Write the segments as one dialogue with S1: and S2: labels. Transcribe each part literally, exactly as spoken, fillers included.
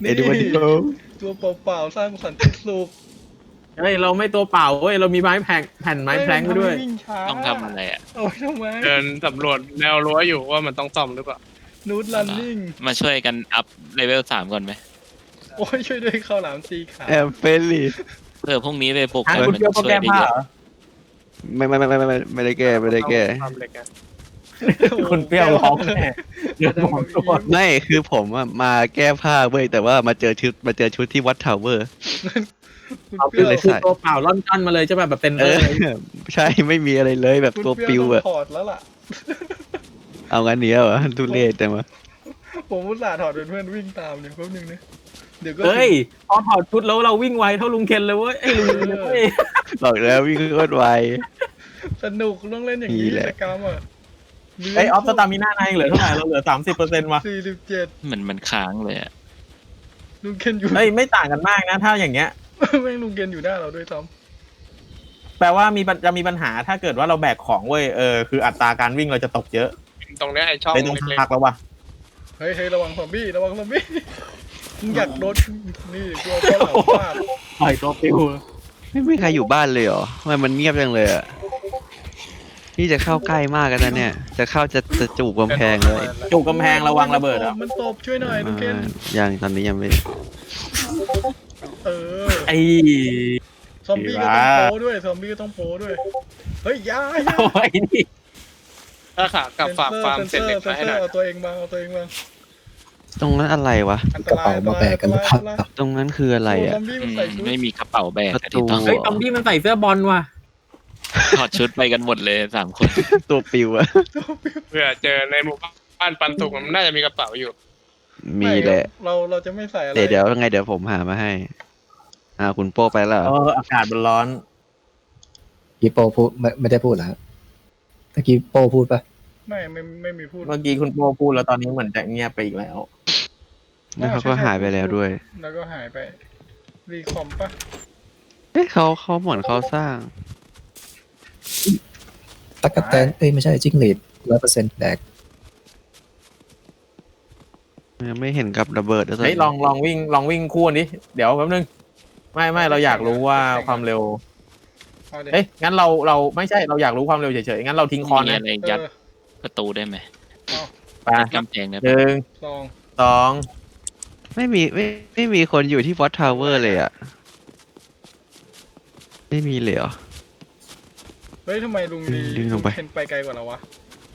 S1: เอ็ดวันเดียว
S2: ตัวเปล่าๆสร้างสันติสุข
S3: เฮ้ยเราไม่ตัวเปล่าเว้ยเรามีไม้แผ่นแผ่นไม้แพลงไปด้วย
S2: เฮ้มันทำให้วิ่งช้า
S4: ต้องทำอะไรอ่ะ
S2: โอ้ยทำไม
S5: เดินสำรวจแนวรั้วอยู่ว่ามันต้องซ่อมหรือเปล่า
S2: นูดลันนิ่ง
S4: มาช่วยกันอัพเลเวลสามก่อนไหม
S2: โอ้ยช่วยด้วยข้าวหลามสีขาว
S1: แอมเฟลลี่
S4: เพื่อพรุ่งนี้ไปปลุก
S3: อ่ะ
S4: กัน
S3: คุณ
S4: มัน
S3: เชื่อโปร
S4: ช่ว
S3: แกร
S4: ย
S3: ม
S4: ได้
S3: ผ้า
S4: เย
S3: เหร
S4: อะ
S3: อ
S1: ไม่ไม่ไม่ไม่ไม่ไม่ได้แก้ไม่ได้แก้
S5: ทำเหล็กอะ
S3: คุณเปรี้ยวร้องแน่เดือดร้อนตัว
S1: ไม่คือผมอะมาแก้ผ้าเว้ยแต่ว่ามาเจอชุดมาเจอชุดที่วัดทาวเวอร์
S2: คุณ
S3: เอา
S2: เป
S3: คื
S2: รี้
S3: อ
S2: ยว
S1: เลย
S3: คือตัวเปล่าล่อนจ้อนมาเลยใช่ป่ะแบบเต็น
S1: เอ
S3: เล
S1: อย ใช่ไม่มีอะไรเลยแบบ
S2: คุณ
S1: ตัว
S2: เป
S1: ปิ
S2: รี้ยว
S1: ว
S2: ต้อ
S1: อะ
S2: งถอดแล้วล่ะ
S1: เอางั้นเนี้ยเหรอทุเรศแต่มา
S2: ผมอุตส่าห์ถอดเป็นเพื่อนวิ่งตามเดี๋ยวแป๊บนึงนะเดี๋ยวก็
S3: เฮ้ยพอถอดชุดแล้วเราวิ่งไวเท่าลุงเคนเลยเว้ยไอ้ยลุงเคนเลยเว้ย
S1: บอกแล้ววิ่งโคตรไว
S2: สนุกต้องเล่นอย่างนี้
S1: นี่แหละ
S2: กิจกรรมอ่ะ
S3: ไอ้ออฟสตามิน่าในเหลือเท่าไหร่เราเหลือสามสิบเปอร์เซ็นต์ว่ะ
S2: สี่สิบเจ็ด
S4: เหมือนมันค้างเลยอ่ะ
S2: ลุงเคนอยู่
S3: เฮ้ยไม่ต่างกันมากนะถ้าอย่างเงี้ย
S2: แม่งลุงเคนอยู่หน้าเราด้วยซ้
S3: แปลว่ามีปัญจะมีปัญหาถ้าเกิดว่าเราแบกของเว้ยเออคืออัตราการวิ่งเราจะตกเยอะ
S5: ตรงเนี้ยไอ้ช่อง
S3: เลยต้อง
S5: เล็ก
S3: พักแล้วว่ะ
S2: ำเฮ้ยเฮ้ยระวังซอมบี้ระวังซอมบี้มึงอยากโดนนี่กลัวข้าวหลามฟาด
S3: ปล่อยตัวปิว
S1: ไม่มีใครอยู่บ้านเลยเหรอทำไมมันเงียบจังเลยอะนี่จะเข้าใกล้มากกันนะเนี่ย จะเข้าจะจะจูบกำแพงเลย
S3: จุกกำแพงระวังระเบิดอ่ะ
S2: มันตบช่วยหน่อยลุงเคน
S1: ยังตอนนี้ยังไม่
S2: เออ
S3: ไอ้
S2: ซอมบี้ก็ต้องโป้ด้วยซอมบี้ก็ต้องโป้ด้วยเฮ้ยอยาอยา
S3: โอ้ยนี่
S5: ๆถ้าขากลับฝากฟาร์มเสร็จเหล็ก
S2: เซ
S5: มาน ให้
S2: เซ
S5: ห
S2: อ
S5: น่อย
S2: ร์เอาตัวเองมาเอาตัวเองมา
S1: ตรงนั้นอะไรวะ
S2: อันต
S6: กระ
S2: ราย
S6: เป๋ามาแบกกันหรือเปล่า
S2: อันตราย
S1: ตรงนั้นคืออะไร
S2: โอ้
S1: อะ
S2: ซอมบี้
S4: อื
S2: มัน
S4: ม
S2: ใส่ชุด
S4: ไม่มีกระเป๋าแบก
S1: ประ
S4: อะ
S1: ตู
S4: ที่ต้อง
S3: เฮ้ยตอมบี้มันใส่เสื้อบอลว่ะ
S4: ถอดชุดไปกันหมดเลยสามคน
S1: ตัวปิวอะ
S5: เพื่อเจอในหมู่บ้านปันสุกมันน่าจะมีกระเป๋าอยู่
S1: มีแหละ
S2: เราเราจะไม่ใส่อะไร
S1: เดี๋ยวเดี๋ยวยังไงเดี๋ยวผมหามาให้ อ่าคุณโป้ไปแล้วเหร
S3: เอ
S1: อ
S3: ออากาศมันร้อน
S6: กีโปพูดไม่ไม่ได้พูดเหรอครับตะกี้โปพูดปะ
S2: ไม่ไม่ไม่มีพูด
S3: เมื่อกี้คุณโปพูดแล้วตอนนี้เหมือนจะเงียบไปอีกแล้ว
S1: แล้วเขาก็หายไปแล้วด้วย
S2: แล้วก็หายไปรีคอมปะ
S1: เอ๊ะเขาเขาเหมือนเขาสร้าง
S6: ตะกะแตนเอ้ยไม่ใช่จิ้งหรีดร้อยเปอร์เซ็นต์แดก
S1: ยังไม่เห็นกับระเบิดแล้วตอน
S3: เฮ้ย
S1: นี้
S3: ลองลองวิ่งลองวิ่งคู่ดิเดี๋ยวแป๊บนึงไม่ไม่เราอยากรู้ว่าความเร็ว
S2: เอาดิ
S3: เอ้ยงั้นเราเราไม่ใช่เราอยากรู้ความเร็วเฉยๆงั้นเราทิ้งคอน
S4: มี
S3: นะ
S4: อะไร
S2: เอ
S4: ยัด
S2: อ
S4: ประตูได้ไหม
S3: ไป
S4: ยัดกำแพงได้
S3: ห
S4: ไหม
S3: นึ่ง
S2: ลอง
S3: สอง
S1: ไม่มีไม่ไม่มีคนอยู่ที่วอตทาวเวอร์เลยอ่ะ ไม่มีเลยเหรอ
S2: เฮ้ยทำไมลุงดี
S1: ดึงลงไป
S2: เห็นไปไกลกว่าเราวะ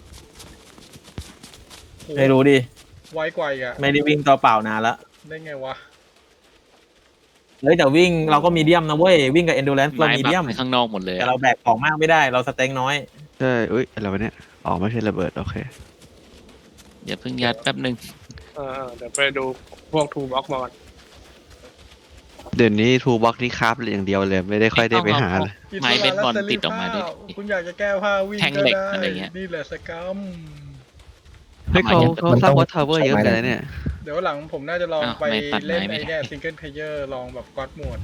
S2: โห
S3: ไม่รู้ดิ
S2: ไวกว่าอีกอะ
S3: ไม่ได้วิ่งตัวเปล่านานละ
S2: ได้ไงวะ
S3: เฮ้ยแต่วิ่งเราก็มีเดียมนะเว้ยวิ่งกับ endurance เรา
S4: ไม้
S3: มี
S4: บั
S3: เดีย
S4: ก
S3: ม
S4: ไปข้างนอกหมดเลย
S3: แต่
S4: อะ
S3: เราแบกของมากไม่ได้เราสเต็งน้อย
S1: ใช่อุ้ยอะไรวะเนี่ยอ๋อไม่ใช่ระเบิดโอเค
S4: เดี๋ยวเพิ่งยัดแป๊บนึง
S5: เออเดี๋ยวไปดูพวกทูบ็อกมาก่อน
S1: เดี๋ยวนี้ทูบ็อกนี่คราฟอย่างเดียวเลย ไม่ได้ค่อยได้ไปหาเลย
S4: ไม้เบสบอลติดออกมาดิ
S2: คุณอยากจะแก้ผ้าวิ่ง
S4: แท่ง
S2: ก็
S4: เหล็ก
S2: ได้
S4: อะไรเงี้ย
S2: นี่แหละสกรรม
S1: เฮ้ยเขาเขาสร้างวอตทาวเวอร์เยอะกันนะเนี่ย
S2: เดี๋ยวหลังผมน่าจะลอง
S4: อ้าว
S2: ไป
S4: ไม่ตัด
S2: เล่น
S4: ไม้ไม่
S2: ไอ้
S4: ได้
S2: เนี่ยซิงเกิลเพลเยอร์ลองแบบก๊อตโหมด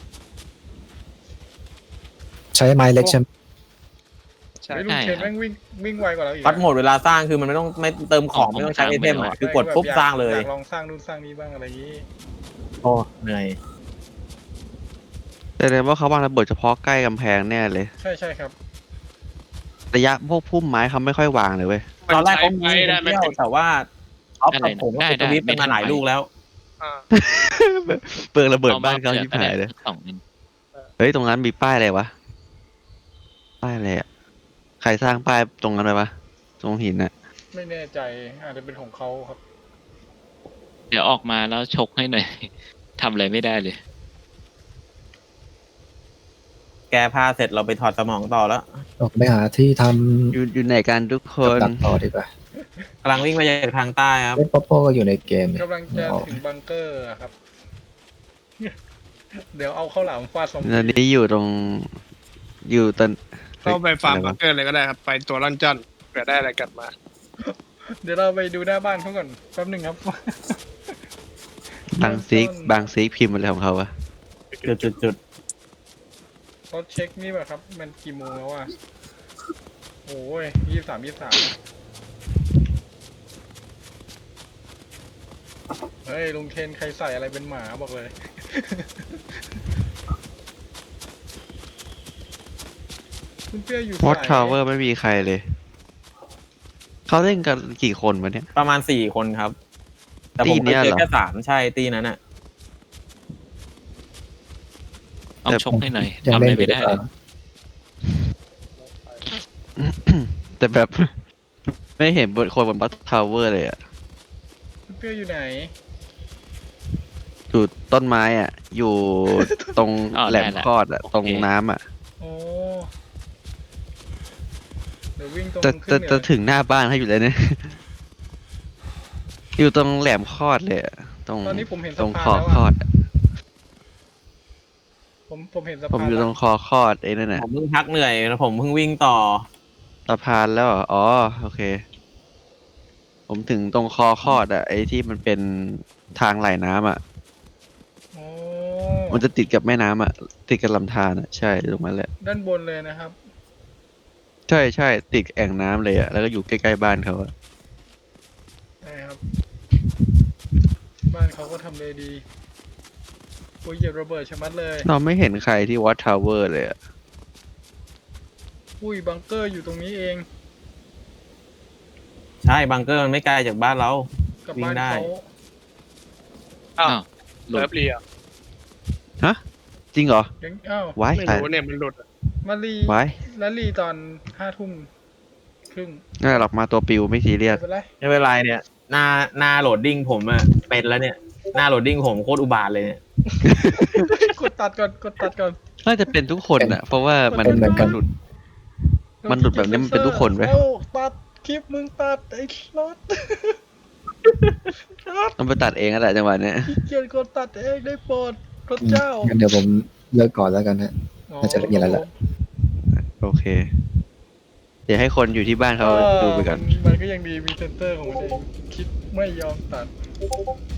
S6: ใช้ไม้เล็กใช่ไหม
S5: ใช่
S2: ไอ้ยลุงเคนแม่งวิ่งวิ่งไวกว่าเราอีก
S3: ฟัดโหมดเวลาสร้างคือมันไม่ต้องไม่เติมของไม่ต้องใช้ไอเทมอะคือกดปุ๊บสร้างเลย
S2: อยากลองสร้างนู่นสร้างนี้บ้างอะไรอย่างนี้
S3: โอ้เหนื่อย
S1: แต่เลยว่าเขาวางระเบิดเฉพาะใกล้กำแพงแน่เลย
S2: ใช่ใช่ครับ
S1: ระยะพวกพุ่มไม้เขาไม่ค่อยวางเลยเว้ย
S3: ตอนแรก
S5: ใช้
S3: เขา
S5: ไม้
S3: มี
S5: ได้ไม่
S3: เที่ยว
S5: ถึง
S3: แต่ว่าออฟ
S4: อะไร
S3: กับ
S4: นะ
S3: ผมก็
S4: ได้
S3: ไป
S4: ได้
S3: สวิตช์กันมาหลายลูกแล้ว
S5: อ่า
S1: เปลืองระเบิดบ้านเขาชิบหายเลย
S4: สองนิด
S1: เฮ้ยตรงนั้นมีป้ายอะไรวะ ป้ายอะไรอ่ะ ใครสร้างป้ายตรงนั้นไว้ปะตรงหินน่ะ
S2: ไม่แน่ใจอาจจะเป็นของเขาครับ
S4: เดี๋ยวออกมาแล้วชกให้หน่อย ทำอะไรไม่ได้เลย
S3: แก้ผ้าเสร็จเราไปถอดสมองต่อแล้ว
S6: ออกไปหาที่ท
S1: อยู่อยู่ไหนกันทุกค
S6: ำ
S1: น
S6: ตัดต่อดีกว่าก
S3: ำลังวิ่งมาจากทางใต้ครับ
S6: เล่นป๊อปโป้ก็อยู่ในเกมนี่
S2: กำลังจะถึงบังเกอร์อะครับ เดี๋ยวเอาข้าวหลามฟาดซอม
S1: ตอน
S2: บี้
S1: นี้อยู่ตรง อยู่ตอน
S5: เข้าไปฟาร์ม
S1: อะไร
S5: บั
S1: วะ
S5: งเกอร์เลยก็ได้ครับ ไปตัวลันจันเผื่อได้อะไรกลับมา
S2: เดี๋ยวเราไปดูหน้าบ้านเขาก่อนแป๊บหนึ่งครับ
S1: บางซีกบางซีกพิมพ์อะไรของเขาวะ
S3: จุดจุดจุด
S2: เขาเช็คนี่แบบครับ มันกี่โมงแล้วอ่ะโอ้ยยี่สามยี่สามเฮ้ยลุงเคนใครใส่อะไรเป็นหมาบอกเลย คุณเปี้ยอยู่
S1: วอต
S2: สาย
S1: ทาวเวอร์ไม่มีใครเลย เขาเล่นกันกี่คนวะเนี่ย
S3: ประมาณสี่คนครับ แต่ผม
S1: ตีเนี้
S3: เคย
S1: ย
S3: เจอ
S1: เหรอ
S3: แค่สามใช่ตีนั้นอ่ะ
S4: ต้องชกให้หน่อย
S6: ยัง
S4: ทำอะไร
S6: เล่นอยู่
S4: ไม่
S6: หรือ
S4: ได้
S6: เป
S4: เล
S6: ล่าย
S1: แต่แบบ ไม่เห็นบนคนบนวอตทาวเวอร์เลยอะ
S2: คุณเปี้ยอยู่ไหน
S1: อยู่ต้นไม้อ่ะ อยู่ตรง
S4: อ๋อ
S1: แหลม
S4: ได้ละ
S1: คลอดอ่ะ
S4: โอเค
S1: ตรงน้ำอ่ะ
S2: โอ้เดี๋ยววิ่งตรง
S1: จะ
S2: ขึ้
S1: จะ
S2: นเหนื
S1: จะ
S2: อ
S1: ถึงหน้าบ้านเขาอยู่เลยเนี่ย อยู่ตรงแหลมคลอดเลยอะตรง
S2: ตอนนี้ผมเห็น
S1: ตร
S2: สะ
S1: ง
S2: พา
S1: คน อ
S2: แล้ว
S1: คลอ
S2: อะ
S1: ดอะ
S2: ผมผมเห็นสะ
S1: ผม
S2: พาน
S1: อยู่
S2: แล้
S1: ตร
S2: ว
S1: งคอคลอดไอ้นั่นน่ะ
S3: ผมเพิ่งพักเหนื่อยแล้วผมเพิ่งวิ่งต่อ
S1: สะพานแล้วเหรออ๋อโอเค ผมถึงตรงคอคลอดอ่ะไอ้ที่มันเป็นทางไหลน้ำอ่ะ
S2: โอ้
S1: มันจะติดกับแม่น้ำอ่ะ ติดกับลำธารอ่ะ ใช่ตรงนั้นแหละ
S2: ด้านบนเลยนะครับ
S1: ใช่ใช่ติดแอ่งน้ำเลยอ่ะ แล้วก็อยู่ใกล้ๆบ้านเขาอะ
S2: ใช่ครับ บ้านเขาก็ทำเลดีโอ้ยเหยียบระเบิดชะมัดเลย
S1: เราไม่เห็นใครที่วัดทาวเวอร์เลยอ่ะ
S2: อุ้ยบังเกอร์อยู่ตรงนี้เอง
S3: ใช่บังเกอร์มันไม่ไกลจากบ้านเรา
S2: กับ
S3: วิ่ง
S2: บ้าน
S3: ได้
S2: เขา
S5: อ้าว
S4: อ้าวหลุด
S5: เลิฟเรีย
S1: ฮะ จริงเหรอ
S2: ยังอ้าว
S1: ไว้
S5: ไม่
S1: ใคร
S5: รู้เนี่ยมันหลุดอะ
S2: มารี
S1: ไว้
S2: และรีตอนห้าทุ่มครึ่ง
S1: น่าหรอกมาตัวปิวไม่ซีเรีย
S2: ไม่
S1: ส
S2: เป็นไร
S3: ไม่เป็นไรเนี่ย หน้าหน้าโหลดดิ้งผมอะเป็นแล้วเนี่ย หน้าโหลดดิ้งผมโคตรอุบาทเลยเนี่ย
S2: กดตัดก่อน กดตัดก่อน
S1: น่าจะเป็นทุกคนอ่ะ เพราะว่ามัน
S6: เป็นเหมือนกัน
S1: หลุด มันหลุดแบบนี้มันเป็นทุกคนไหม
S2: เอ้าตัดคลิปมึงตัดไอ้รถ
S1: ต้องไปตัดเองก็แหละจังหวะเนี้ย
S2: ขี้เกียจกดตัดเองได้โปรดพระเจ้า
S6: งั้นเดี๋ยวผมเลิกก่อนแล้วกันฮะ น่าจะมีอะไรละ
S1: โอเค เดี๋ยวให้คนอยู่ที่บ้านเขาดูไปก่อน
S2: มันมันก็ยังดีมีเซนเตอร์ของมันเองคิดไม่ยอมตัด